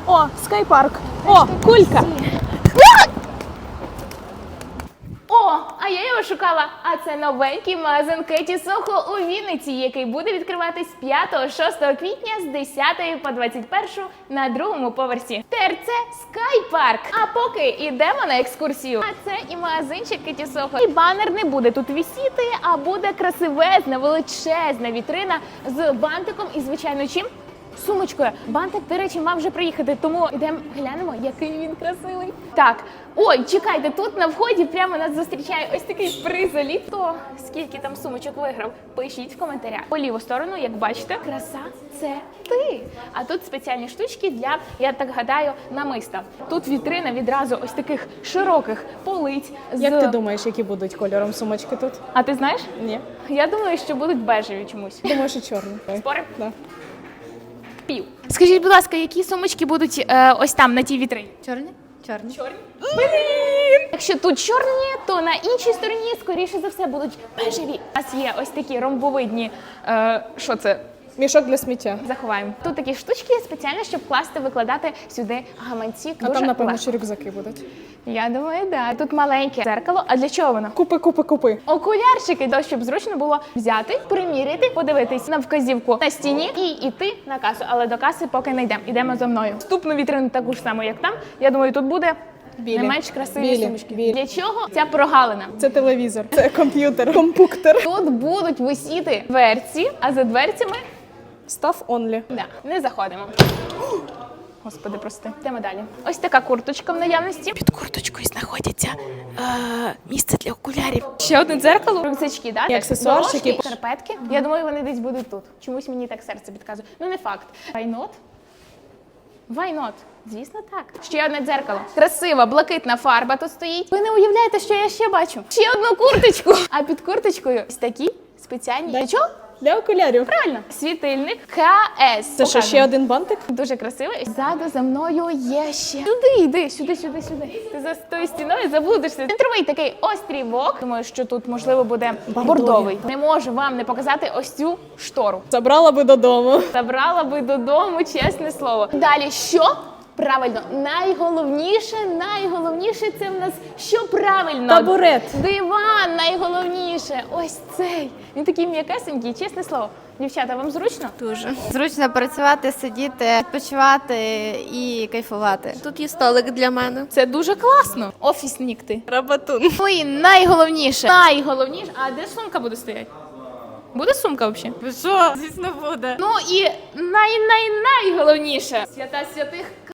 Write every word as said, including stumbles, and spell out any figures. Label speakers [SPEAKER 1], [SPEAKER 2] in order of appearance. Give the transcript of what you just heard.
[SPEAKER 1] О, скайпарк. О, кулька. О, а я його шукала. А це новенький магазин Кеті Сохо у Вінниці, який буде відкриватись п'ятого-шостого квітня з десятої по двадцять першу на другому поверсі. ТРЦ Скайпарк. А поки йдемо на екскурсію. А це і магазинчик Кеті Сохо. І банер не буде тут висіти, а буде красивезна, величезна вітрина з бантиком і, звичайно, чим? Сумочкою. Бантик, до речі, мав вже приїхати, тому йдемо глянемо, який він красивий. Так, ой, чекайте, тут на вході прямо нас зустрічає ось такий призоліт. Хто скільки там сумочок виграв, пишіть в коментарях. По ліву сторону, як бачите, краса – це ти. А тут спеціальні штучки для, я так гадаю, намиста. Тут вітрина відразу ось таких широких полиць. З...
[SPEAKER 2] Як ти думаєш, які будуть кольором сумочки тут?
[SPEAKER 1] А ти знаєш?
[SPEAKER 2] Ні.
[SPEAKER 1] Я думаю, що будуть бежеві чомусь.
[SPEAKER 2] Думаю, що чорні.
[SPEAKER 1] Спорим?
[SPEAKER 2] Да.
[SPEAKER 1] Пів. Скажіть, будь ласка, які сумочки будуть е, ось там, на тій вітрині?
[SPEAKER 3] Чорні? Чорні.
[SPEAKER 1] Чорні? Блін! Якщо тут чорні, то на іншій стороні, скоріше за все, будуть бежеві. У нас є ось такі ромбовидні, е, що це?
[SPEAKER 2] Мішок для сміття.
[SPEAKER 1] Заховаємо. Тут такі штучки спеціально, щоб класти, викладати сюди гаманці.
[SPEAKER 2] А
[SPEAKER 1] Дуже
[SPEAKER 2] там, напевно,
[SPEAKER 1] легко.
[SPEAKER 2] що рюкзаки будуть.
[SPEAKER 1] Я думаю, да. Тут маленьке дзеркало. А для чого воно?
[SPEAKER 2] Купи, купи, купи.
[SPEAKER 1] Окулярчики, то, щоб зручно було взяти, приміряти, подивитись на вказівку на стіні і йти на касу. Але до каси поки не йдемо. Ідемо зо мною. Вступну вітрину таку ж саму, як там. Я думаю, тут буде
[SPEAKER 2] Білі.
[SPEAKER 1] не менш красиві
[SPEAKER 2] Білі.
[SPEAKER 1] сумочки.
[SPEAKER 2] Білі.
[SPEAKER 1] Для чого ця прогалина?
[SPEAKER 2] Це телевізор. Це комп'ютер. Компуктер.
[SPEAKER 1] Тут будуть висіти дверці, а за дверцями
[SPEAKER 2] Став онлі.
[SPEAKER 1] да, не заходимо. Господи, прости. Йдемо далі. Ось така курточка в наявності. Під курточкою знаходиться е, місце для окулярів. Ще одне дзеркало. Рюкзачки, да?
[SPEAKER 2] І аксесуарчики.
[SPEAKER 1] Дорожки, шкарпетки. Я думаю, вони десь будуть тут. Чомусь мені так серце підказує. Ну, не факт. Why not? Why not? Звісно, так. Ще одне дзеркало. Красива, блакитна фарба тут стоїть. Ви не уявляєте, що я ще бачу? Ще одну курточку. А під курточкою ось такі спеціальні. Для чого?
[SPEAKER 2] Для окулярів.
[SPEAKER 1] Правильно. Світильник КС.
[SPEAKER 2] Це що, ще один бантик?
[SPEAKER 1] Дуже красивий. Ззаду за мною є ще. Сюди йди, сюди, сюди, сюди. Ти за тою стіною заблудишся. Центровий такий острівок. Думаю, що тут, можливо, буде бордовий. Не можу вам не показати ось цю штору.
[SPEAKER 2] Забрала би додому.
[SPEAKER 1] Забрала би додому, чесне слово. Далі що? Правильно, найголовніше, найголовніше це в нас що правильно?
[SPEAKER 2] Табурет.
[SPEAKER 1] Диван найголовніше. Ось цей. Він такий м'якесенький, чесне слово. Дівчата, вам зручно?
[SPEAKER 3] Дуже. Зручно працювати, сидіти, відпочивати і кайфувати.
[SPEAKER 4] Тут є столик для мене.
[SPEAKER 1] Це дуже класно. Офіснік ти.
[SPEAKER 4] Рабатун.
[SPEAKER 1] Ну і найголовніше. Найголовніше. А де сумка буде стояти? Буде сумка взагалі?
[SPEAKER 4] Що? Звісно, буде.
[SPEAKER 1] Ну і най-най-найголовніше. Свята святих